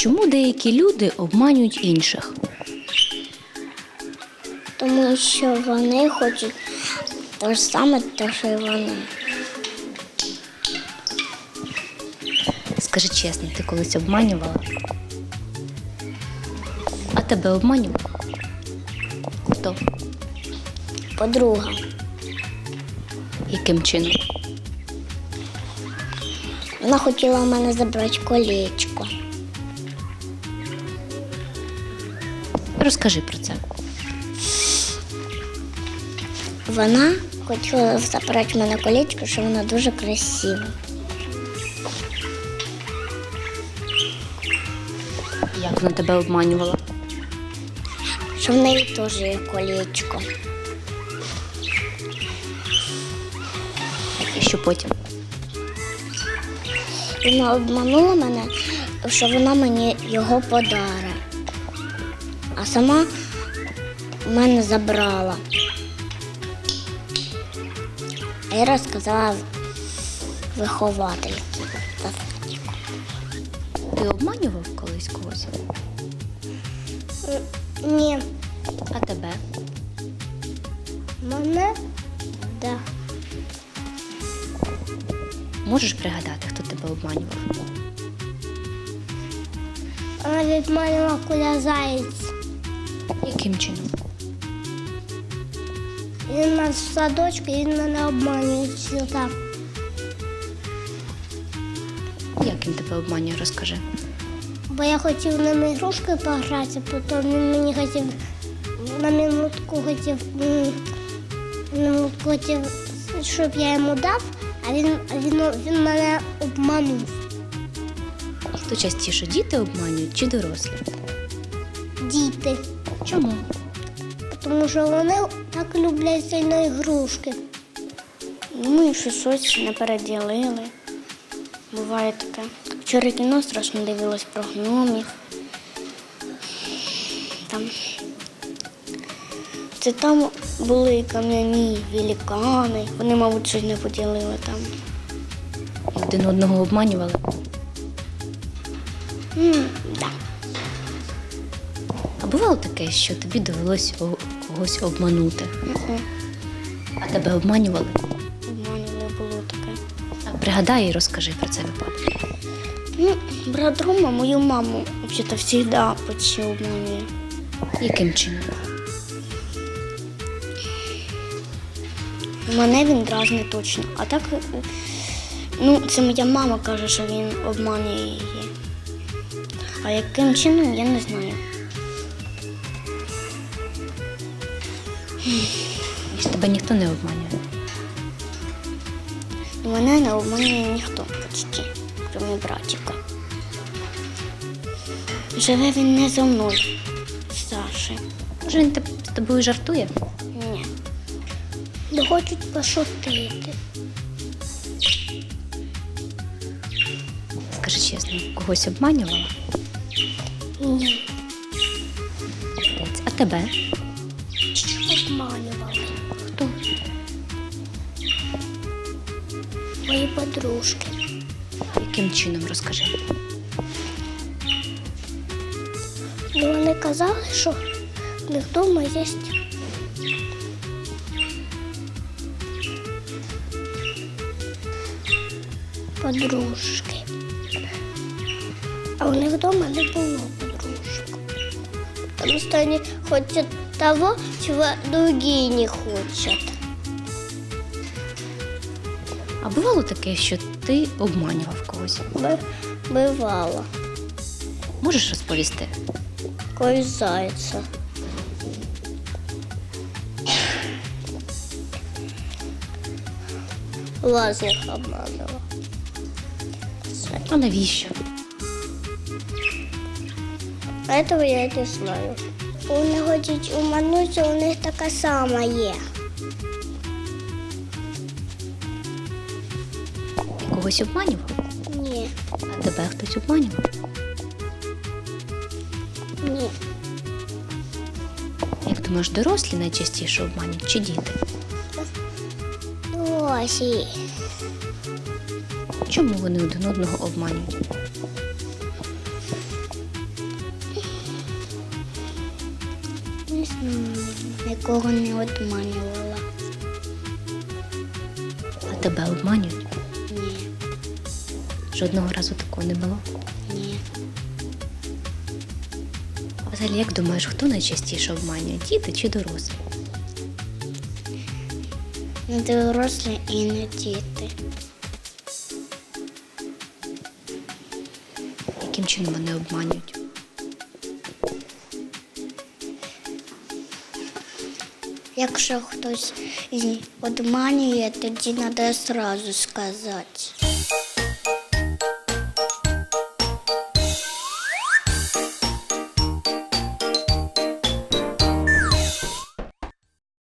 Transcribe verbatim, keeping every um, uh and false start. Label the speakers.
Speaker 1: Чому деякі люди обманюють інших?
Speaker 2: Тому що вони хочуть те ж саме, те, що й вони.
Speaker 1: Скажи чесно, ти колись обманювала? А тебе обманював? Хто?
Speaker 2: Подруга.
Speaker 1: Яким чином?
Speaker 2: Вона хотіла в мене забрати колечко.
Speaker 1: Розкажи про це.
Speaker 2: Вона хотіла забрати в мене колечко, що вона дуже красива.
Speaker 1: Як вона тебе обманювала?
Speaker 2: Що в неї теж є колечко.
Speaker 1: І що потім?
Speaker 2: Вона обманула мене, що вона мені його подарить. А сама в мене забрала. А я розказала виховательці.
Speaker 1: Ти обманював колись когось?
Speaker 2: Ні.
Speaker 1: А тебе?
Speaker 2: Мене? Да.
Speaker 1: Можеш пригадати, хто тебе обманював?
Speaker 2: Вона відманила Коля Заєць.
Speaker 1: Яким чином?
Speaker 2: Він у нас в садочку, і він мене обманює сюди.
Speaker 1: Як він тебе обманює, розкажи.
Speaker 2: Бо я хотів ним ігрушки погратися, потім він мені хотів на минутку хотів, м, на минутку хотів, щоб я йому дав, а він, а він, він мене обманув.
Speaker 1: Хто частіше, діти обманюють чи дорослі?
Speaker 2: Діти.
Speaker 1: Чому?
Speaker 2: Тому що вони так люблять сильно ігрушки. Ну і щось ось не переділили. Буває таке. Вчора кіно страшно дивилась про гномів. Там. Це там були кам'яні великани. Вони, мабуть, щось не поділили там.
Speaker 1: І один одного обманювали?
Speaker 2: М, да.
Speaker 1: А бувало таке, що тобі довелося о- когось обманути?
Speaker 2: Мгм.
Speaker 1: А тебе обманювали?
Speaker 2: Обманювали, було таке.
Speaker 1: А пригадай і розкажи про цей випадок.
Speaker 2: Ну, брат Рома мою маму взагалі завжди почти обманює.
Speaker 1: Яким чином?
Speaker 2: Мене він дразне точно. А так, ну, це моя мама каже, що він обманює її. А яким чином, я не знаю.
Speaker 1: Ось тебе ніхто не обманює.
Speaker 2: Мене не обманює ніхто почти, крім братика. Живе він не зо мною, з Сашею.
Speaker 1: Може, він теб- з тобою жартує?
Speaker 2: Ні. Не хочуть пошутити.
Speaker 1: Скажи чесно, когось обманювала?
Speaker 2: Ні.
Speaker 1: Молодець. А тебе?
Speaker 2: Обманювали.
Speaker 1: Хто?
Speaker 2: Мої подружки.
Speaker 1: Яким чином, розкажи.
Speaker 2: Ну, вони казали, що в них вдома є подружки. А у них вдома не було подружок. Потому что они хотят того, чего другие не хотят.
Speaker 1: А бувало таке, що ти обманював когось?
Speaker 2: Б- Бывало.
Speaker 1: Можеш розповісти?
Speaker 2: Кой зайца. Лазник обманывала.
Speaker 1: А навіщо?
Speaker 2: Этого я не знаю. Вони хочуть уманутися, у них така сама є.
Speaker 1: Ти когось обманював?
Speaker 2: Ні,
Speaker 1: А тебе хтось обманював?
Speaker 2: ні.
Speaker 1: Як думаєш, дорослі найчастіше обманюють чи діти?
Speaker 2: Ось і.
Speaker 1: Чому вони один одного обманюють?
Speaker 2: Звісно, нікого не обманювала.
Speaker 1: А тебе обманюють?
Speaker 2: Ні,
Speaker 1: Жодного разу такого не було?
Speaker 2: ні.
Speaker 1: А взагалі, як думаєш, хто найчастіше обманює? Діти чи дорослі?
Speaker 2: Не дорослі і не діти.
Speaker 1: Яким чином вони обманюють?
Speaker 2: Якщо хтось обманює, тоді треба одразу сказати.